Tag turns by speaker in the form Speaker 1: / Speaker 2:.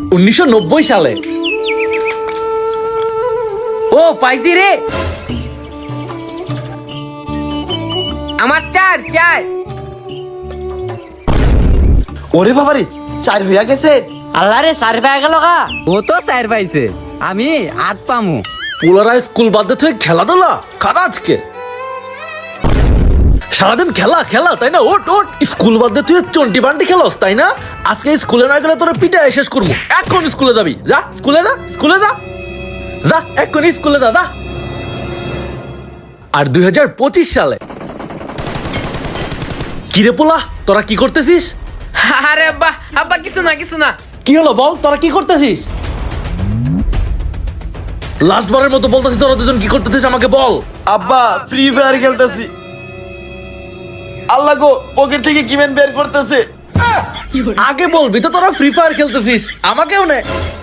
Speaker 1: 1990 সালে।
Speaker 2: ও পাইছি রে, আমার চার চার।
Speaker 3: ওরে বাবারে, 4 হইয়া গেছে।
Speaker 4: আল্লাহ রে, 4 পেয়ে গেল গা। ও তো 4 পাইছে, আমি 8 পামু।
Speaker 1: পোলারা স্কুল বাদ দিয়ে খেলাধুলা কারা আজকে? সারাদিন খেলা খেলা, তাই না? ওট ওট, স্কুল বাদ দিয়ে তুই চন্টি বান্টি খেলস, তাই না? আজকে স্কুলে না গেলে তোরা পিটায় শেষ করবো। এখন স্কুলে যাবি, যা স্কুলে যা, স্কুলে যা, যা এখন স্কুলে যা, যা। আর 2025 সালে কিরে পোলা, তোরা কি করতেছিস?
Speaker 2: আরে আব্বা, আব্বা কিছু না কিছু না।
Speaker 1: কি হলো বল, তোরা কি করতেছিস? লাস্ট বারের মতো বলতেছিস, তোরা দুজন কি করতেছিস আমাকে বল।
Speaker 3: আব্বা, ফ্রি ফায়ার খেলতেছি। আল্লাহ গো, পকেট থেকে কিমেন বের করতেছে।
Speaker 1: আগে বলবি তো তোরা ফ্রি ফায়ার খেলতেছিস, আমাকেও নে।